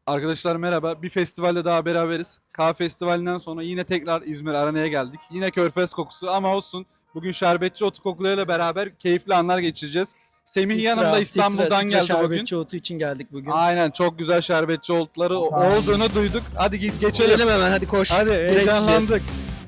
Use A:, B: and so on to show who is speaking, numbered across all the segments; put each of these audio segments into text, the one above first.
A: Arkadaşlar merhaba. Bir festivalde daha beraberiz. K Festivali'nden sonra yine tekrar İzmir Arena'ya geldik. Yine Körfez kokusu ama olsun. Bugün Şerbetçi Otu kokularıyla beraber keyifli anlar geçireceğiz. Semih yanımda İstanbul'dan geldi bugün.
B: Şerbetçi Otu için geldik bugün.
A: Aynen, çok güzel şerbetçi otları olduğunu duyduk. Hadi geçelim.
B: Gelelim hemen, hadi koş.
A: Hadi,
B: Direkt
A: heyecanlandık.
B: içeceğiz.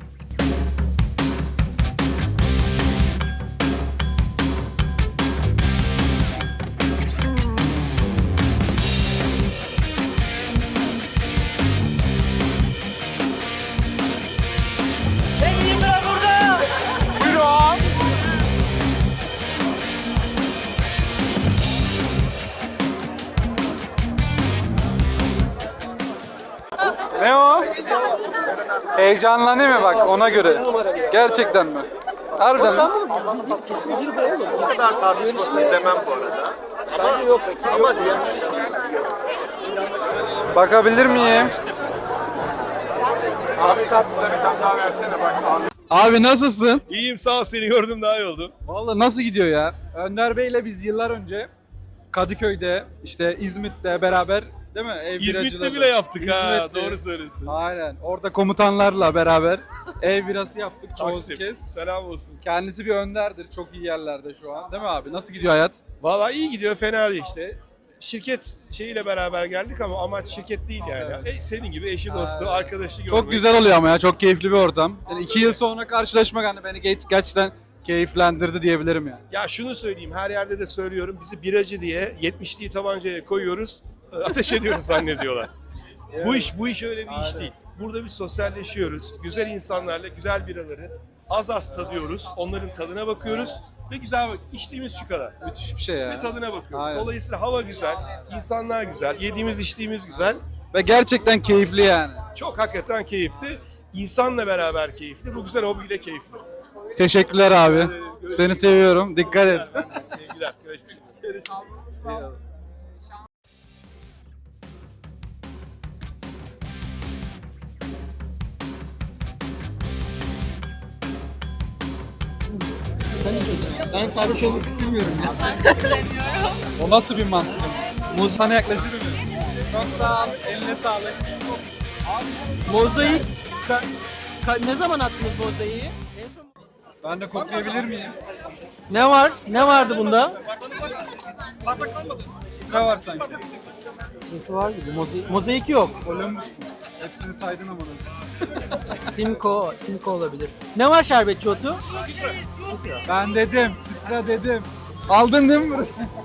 A: Ne o? Heyecanlanayım mı bak ona göre? Gerçekten mi? Harbiden mi?
B: Kesin bir bu oğlum.
C: Bu kadar tartışmasız demem bu arada. Ama yok. Ama diye.
A: Bakabilir miyim? Abi nasılsın?
C: İyiyim, sağ ol, seni gördüm daha iyi oldum.
A: Vallahi nasıl gidiyor ya? Önder Bey'le biz yıllar önce Kadıköy'de, işte İzmit'te beraber, değil mi? Ev
C: İzmit'te
A: biracıları.
C: bile yaptık ha,
A: İzmit'te.
C: doğru söylüyorsun.
A: Aynen. Orada komutanlarla beraber ev birası yaptık çoğu
C: Taksim,
A: kez.
C: selam olsun.
A: Kendisi bir önderdir. Çok iyi yerlerde şu an. Değil mi abi? Nasıl gidiyor hayat?
C: Vallahi iyi gidiyor, fena değil işte. Şirket şeyiyle beraber geldik ama amaç şirket değil yani.
A: Evet.
C: Senin gibi eşi, dostu, arkadaşı görmek.
A: Çok güzel oluyor ama ya. Çok keyifli bir ortam. Yani 2 yıl sonra karşılaşmak hani beni gerçekten keyiflendirdi diyebilirim yani.
C: Ya şunu söyleyeyim, her yerde de söylüyorum. Bizi biracı diye 70'liği tabancaya koyuyoruz. Ateş ediyoruz zannediyorlar. Bu iş öyle bir iş değil. Burada biz sosyalleşiyoruz. Güzel insanlarla güzel biraları az tadıyoruz. Onların tadına bakıyoruz. Ve güzel içtiğimiz şu kadar.
A: Müthiş bir şey ya.
C: Ve tadına bakıyoruz.
A: Aynen.
C: Dolayısıyla hava güzel, insanlar güzel, yediğimiz içtiğimiz güzel.
A: Ve gerçekten keyifli yani.
C: Çok hakikaten keyifli. İnsanla beraber keyifli. Bu güzel hobiyle keyifli.
A: Teşekkürler abi. Seni seviyorum. Dikkat et.
C: Sevgiler. Görüşmek üzere.
B: Sen içiyorsun. Ben sarhoş olmak istemiyorum ya.
A: O nasıl bir mantık? Muz sana yaklaşır mı? Çok sağ ol. Eline sağlık.
B: Mozaik. Ne zaman attınız mozaiği? En son...
A: Ben de koklayabilir miyim?
B: Ne var? Ne vardı bunda?
A: Sıra var sanki.
B: Stresi var gibi. Mozaik yok.
A: Columbus mu? Hepsini saydın ama.
B: Simco olabilir. Ne var şerbetçi otu?
A: Ben dedim. Sıra dedim. Aldın değil mi?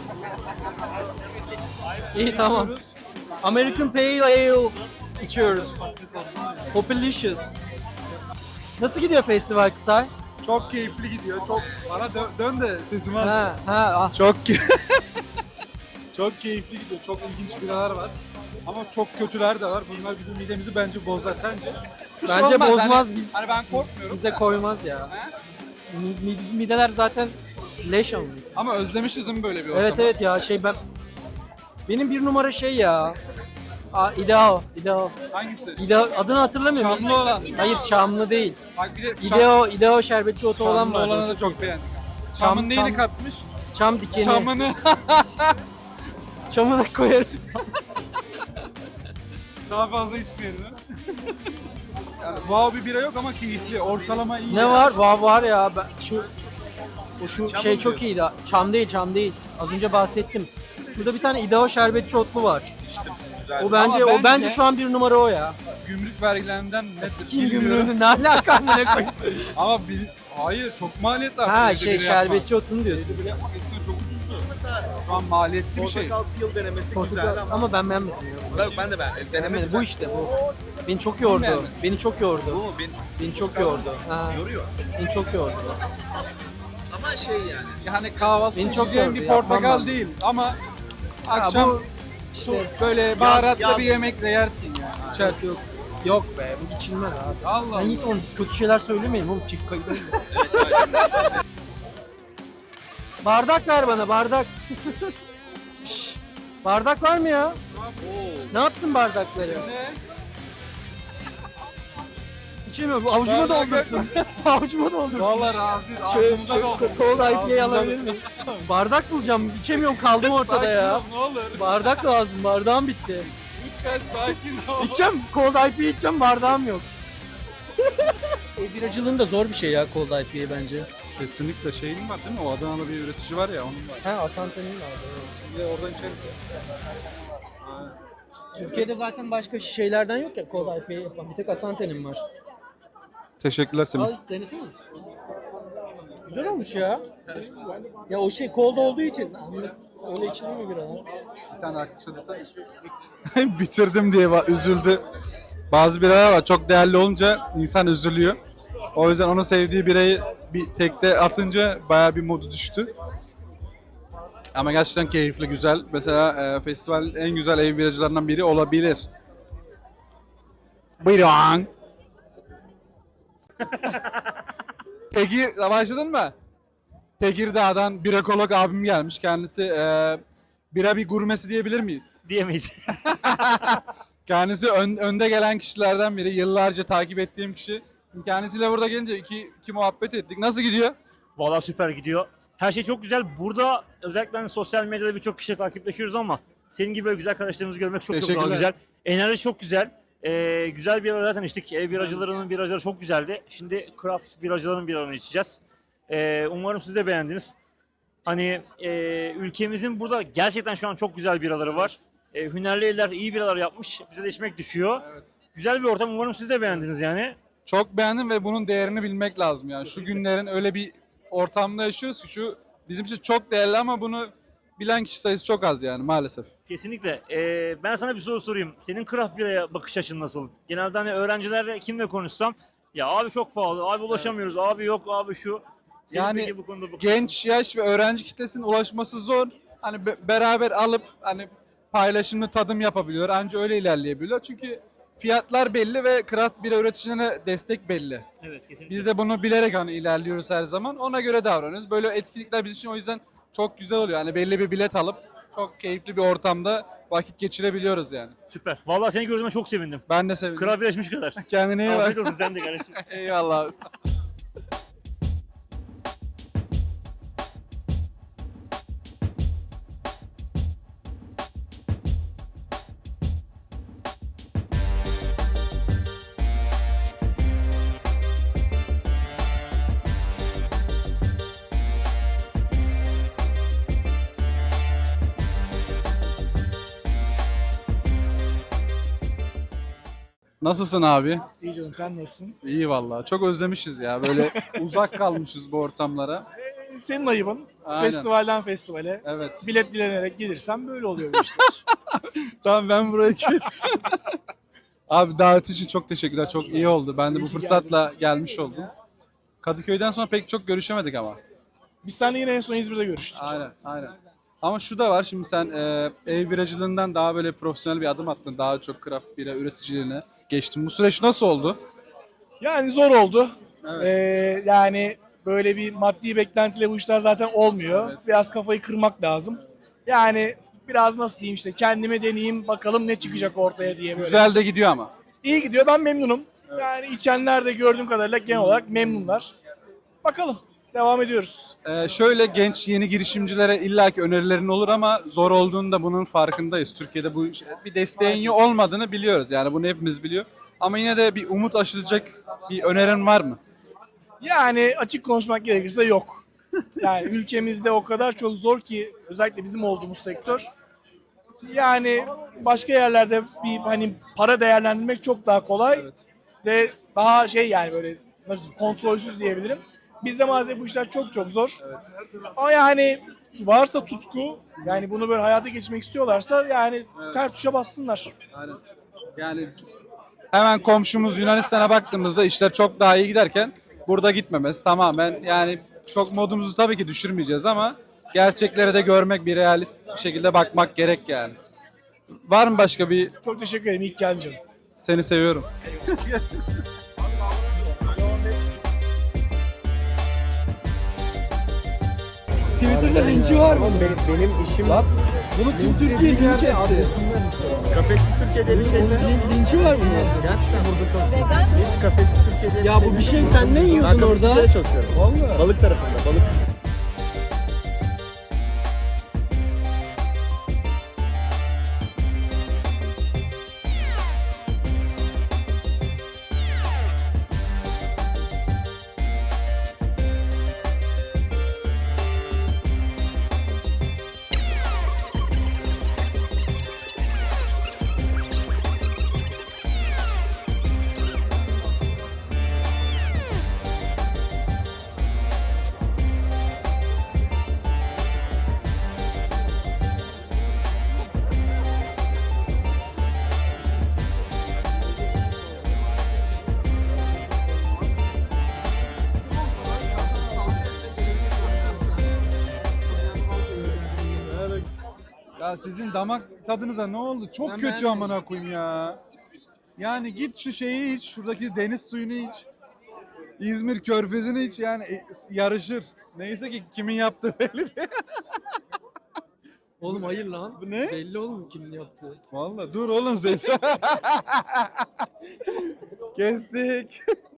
B: İyi tamam. American Pale Ale içiyoruz. Populicious. Nasıl gidiyor festival Kutay?
A: Çok keyifli gidiyor. Çok bana dön de sesimi al.
B: Ah.
A: Çok çok keyifli gidiyor. Çok ilginç biralar var. Ama çok kötüler de var. Bunlar bizim midemizi bence bozar. Sence? Bir şey
B: Bence
A: olmaz.
B: bozmaz.
A: Hani ben korkmuyorum.
B: Bize koymaz ya. Bizim mideler zaten leş ama.
A: Ama özlemişiz değil mi böyle bir ortamı?
B: Evet ya benim bir numara şey ya. İdeo.
A: Hangisi?
B: Adını hatırlamıyorum.
A: Çamlı olan.
B: Hayır Çamlı değil.
A: Bak bir de
B: İdeo şerbetçi otu olan
A: Çamlı
B: var.
A: olanı da çok beğendik. Çamın neyini katmış?
B: Çam dikeni.
A: Çamını.
B: Çamı da koyarım.
A: Daha fazla içmeyelim değil mi? Yani wow bir bira yok ama keyifli. Ortalama iyi.
B: Ne var? Var ya. Şu şey çok iyiydi. Çam değil. Az önce bahsettim. Şurada bir tane İdeo şerbetçi otlu var. O bence
A: Ama
B: bence şu an bir numara o ya.
A: Gümrük vergilerinden net
B: Kim
A: bilmiyorum.
B: gümrüğünü ne alaka amına koyayım.
A: Ama hayır çok maliyetli.
B: Ha
A: Evde bira yapmak.
B: şerbetçi otunu diyorsun.
A: Evde bira yapmak eskiden çok ucuzdu. Şu an maliyetli bir şey.
C: Portakal peel denemesi
B: Portakal
C: güzel ama.
B: ama ben beğenmedim ya.
C: Ben de denemedim.
B: Bu işte bu. Beni çok yordu.
A: Beğenmedin.
B: Beni çok yordu.
C: Bu mu?
B: Beni çok yordu. Ha,
C: Yoruyor.
B: beni çok yordu.
C: Ama şey yani.
A: Yani kahvaltı
B: Beni çok
A: yiyeceğim
B: yordu,
A: bir
B: yapmam
A: portakal
B: ben.
A: değil ama
B: Ha,
A: akşam
B: bu işte
A: böyle baharatlı
C: yaz-
A: bir yemekle yersin yani. İçersin.
B: yok be bu içilmez abi.
A: Allah
B: Ben iyisi onu kötü şeyler söylemeyin oğlum çık kayıt. Bardak ver bana bardak. Şş, bardak var mı ya? Ne yaptın bardakları?
A: Ne?
B: İçemiyorum. Avucuma
A: Bardak-
B: doldursun. Avucuma doldursun.
A: Vallahi razıyız.
B: Şöyle,
A: Ağzımıza doldu.
B: Cola IPA
A: Ağzımıza
B: alabilir miyim? Bardak bulacağım. İçemiyorum kaldım ortada
A: Sakin
B: ya.
A: ol, ne olur.
B: Bardak lazım. Bardağım bitti.
A: Kaç sakin ol.
B: İçeceğim. Cold IPA içeceğim. Bardağım yok. Biracılığın da zor bir şey ya Cold IPA bence.
A: Kesinlikle şeyin var değil mi? O Adana'da bir üretici var ya onun var.
B: Ha Asante'nin vardı. Evet.
A: Şimdi oradan içeriz ya. Aynen.
B: Türkiye'de zaten başka şeylerden yok ya Cold IPA yapan. Bir tek Asante'nin var.
A: Teşekkürler Semih.
B: Al denesene. Güzel olmuş ya. Ya o şey cold olduğu için Ahmet öyle içilir mi bir an?
A: Bir tane arkadaşa desene. Bitirdim diye üzüldü. Bazı biralar var çok değerli olunca insan üzülüyor. O yüzden onun sevdiği birayı bir tekte atınca bayağı bir modu düştü. Ama gerçekten keyifli, güzel. Mesela festivalin en güzel ev biracılarından biri olabilir. Buyurun. Peki başladın mı? Tekirdağ'dan bir ekolog abim gelmiş. Kendisi bira bir gurmesi diyebilir miyiz?
D: Diyemeyiz.
A: Kendisi önde gelen kişilerden biri. Yıllarca takip ettiğim kişi. Kendisiyle burada gelince iki muhabbet ettik. Nasıl gidiyor?
D: Vallahi süper gidiyor. Her şey çok güzel. Burada özellikle hani sosyal medyada birçok kişiyle takipleşiyoruz ama senin gibi böyle güzel arkadaşlarımızı görmek çok çok daha
A: Teşekkürler.
D: güzel. Enerji çok güzel. Güzel bir zaten içtik. Ev biracılarının biracıları çok güzeldi. Şimdi craft biracıların biralarını içeceğiz. Umarım siz de beğendiniz. Hani ülkemizin burada gerçekten şu an çok güzel biraları var. Hünerli eller iyi biralar yapmış. Bize de içmek düşüyor.
A: Evet.
D: Güzel bir ortam. Umarım siz de beğendiniz yani.
A: Çok beğendim ve bunun değerini bilmek lazım yani. Şu günlerin öyle bir ortamda yaşıyoruz ki şu bizim için çok değerli ama bunu bilen kişi sayısı çok az yani maalesef.
D: Kesinlikle. Ben sana bir soru sorayım. Senin craft biraya bakış açın nasıl? Genelde hani öğrencilerle kimle konuşsam ya abi çok pahalı, abi ulaşamıyoruz, abi yok, abi şu. Senin
A: Yani
D: peki bu konuda
A: genç yaş ve öğrenci kitlesinin ulaşması zor. Hani beraber alıp hani paylaşımlı tadım yapabiliyor. Anca öyle ilerleyebiliyor. Çünkü fiyatlar belli ve craft bira üreticilerine destek belli.
D: Evet, kesinlikle.
A: Biz de bunu bilerek hani ilerliyoruz her zaman. Ona göre davranıyoruz. Böyle etkinlikler bizim için o yüzden çok güzel oluyor. Yani belli bir bilet alıp çok keyifli bir ortamda vakit geçirebiliyoruz yani.
D: Süper. Vallahi seni gördüğüme çok sevindim.
A: Ben de sevindim.
D: Craft birleşmiş kadar.
A: Kendine iyi
D: Afiyet
A: bak.
D: olsun sen de kardeşim.
A: Eyvallah abi. Nasılsın abi?
E: İyi canım sen nasılsın?
A: İyi vallahi. Çok özlemişiz ya. Böyle uzak kalmışız bu ortamlara.
E: Senin ayıbın.
A: Aynen.
E: Festivalden festivale.
A: Evet.
E: Bilet dilenerek gelirsen böyle oluyor bu işler.
A: Tamam ben burayı keseceğim. Abi davet için çok teşekkürler. Çok iyi oldu. Ben de bu
E: İyi ki
A: fırsatla gelmiş oldum. Kadıköy'den sonra pek çok görüşemedik ama.
E: Biz seninle yine en son İzmir'de görüştük.
A: Aynen. Ama şu da var. Şimdi sen ev biracılığından daha böyle profesyonel bir adım attın. Daha çok craft bira üreticiliğine geçtin. Bu süreç nasıl oldu?
E: Yani zor oldu.
A: Evet.
E: Yani böyle bir maddi beklentiyle bu işler zaten olmuyor.
A: Evet.
E: Biraz kafayı kırmak lazım. Yani biraz nasıl diyeyim işte kendime deneyeyim bakalım ne çıkacak ortaya diye böyle.
A: Güzel de gidiyor ama.
E: İyi gidiyor ben memnunum. Yani içenler de gördüğüm kadarıyla genel olarak memnunlar. Bakalım devam ediyoruz.
A: Şöyle genç yeni girişimcilere illaki önerilerin olur ama zor olduğunda bunun farkındayız. Türkiye'de bu bir desteğin olmadığını biliyoruz. Yani bunu hepimiz biliyor. Ama yine de bir umut aşılacak bir önerin var mı?
E: Yani açık konuşmak gerekirse yok. Yani ülkemizde o kadar çok zor ki özellikle bizim olduğumuz sektör. Yani başka yerlerde bir hani para değerlendirmek çok daha kolay
A: Evet.
E: ve daha şey yani böyle nasıl diyeyim, kontrolsüz diyebilirim. Bizde maalesef bu işler çok çok zor. Ama yani varsa tutku yani bunu böyle hayata geçirmek istiyorlarsa yani ter tuşa bassınlar.
A: Aynen. Yani hemen komşumuz Yunanistan'a baktığımızda işler çok daha iyi giderken burada gitmemesi tamamen yani çok modumuzu tabii ki düşürmeyeceğiz ama gerçekleri de görmek bir realist bir şekilde bakmak gerek yani. Var mı başka bir
E: Çok teşekkür ederim. İlk geldin canım.
A: seni seviyorum.
B: Twitter'da linçi var mı? Benim işim var. Bunu tüm Türkiye linç etti.
D: Kafesiz Türkiye'de bir şey
B: Linçi var bunun.
D: Gerçekten burada çok. Hiç kafesiz Türkiye'de
B: Ya bu bir şey sen ne yiyordun orada?
D: çok yiyorum.
B: Vallahi.
D: Balık tarafında, balık.
A: Ya sizin damak tadınıza ne oldu? Çok
B: Ben
A: kötü
B: beğenmedim.
A: amına koyayım ya. Yani git şu şeyi iç, şuradaki deniz suyunu iç. İzmir körfezini iç yani yarışır. Neyse ki kimin yaptığı belli değil.
B: Oğlum hayır lan.
A: Bu ne?
B: Belli oğlum kimin yaptığı.
A: Vallahi dur oğlum ses. Kestik.